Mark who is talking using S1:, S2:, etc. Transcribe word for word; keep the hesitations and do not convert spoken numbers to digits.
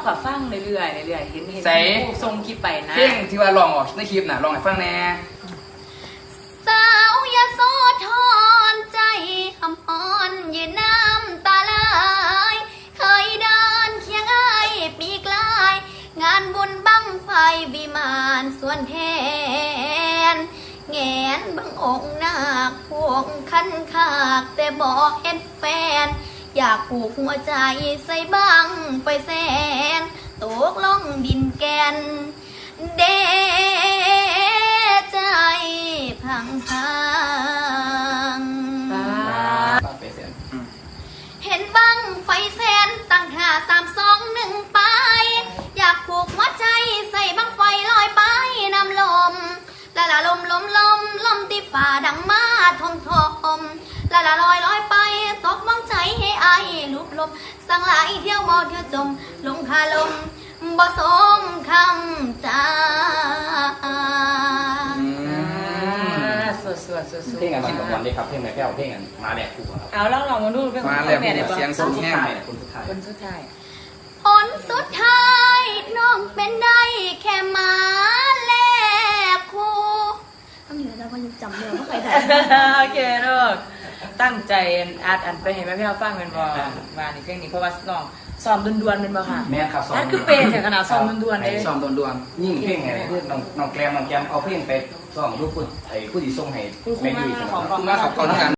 S1: กับฟังเรื่อยๆเรื่อยๆเห็นเห็นผู้ทรงคลิปไปนะ
S2: เพลงที่ว่าลองออกในคลิปน่ะลองให้ฟังแน่
S3: สาวยาโสธรใจคำอ่อนยืนน้ำตาไหลเคยเดินเคียงไอปีกลายงานบุญบังไฟวิมานส่วนแทนแงนบังองค์นาคพวงคันคากแต่บอกเห็นแฟนอยากผูกหัวใจใส่บังไฟแสนตกลงดินแกนเดใจพังพังเห็นบังไฟแสนตั้งท่าสามสองหนึ่งไปอยากผูกหัวใจใส่บังไฟลอยไปนำลมละละลมลมลมลมที่ฝ่าดังมาทมทมละละลอยลอยไปตกวังใจให้ไอลุบลมสั่งหลายเที่ยวบ่เที่ยวจมลงคาลมบ่สมคำจา
S1: สวดสวดสวดสวด
S4: เพลงงานชิ้นของวันเลยครับเพลงไหนแก้วเพลงงานมาแดกคู่ครับ
S1: เอาลองลองมาดูเป็น
S2: มาแล้วเสียงสูงแห้ง
S4: คนสุดท้าย
S1: คนสุดท้าย
S3: ผลสุดท้ายน้องเป็นได้แค่มาแลกคู่ทำอยู่แล้วก็ยังจำเนื้อไม่เคยได้
S1: โอเคลูกตั้งใจอัดอันไปเห็นไหมพี่เราฟังเป็นบอมาในเพลงนี้เพราะว่าน้องซ้อมดวนๆเป็นบอค่ะ
S4: แม่ครับซ้อม
S1: นั่นคือเป็นถึงขนาดซ้อมดวนๆเลย
S2: ซ้อมดวน
S4: ยิ่งเพลงไงเพื่อนน้องน้องแกรมน้องแกรมเอาเพลงไปซ้อมลูกคุณไอ้ผู้ดีส่งให้ไม่ดี
S1: ของ
S2: ๆมาขับก่อนกัน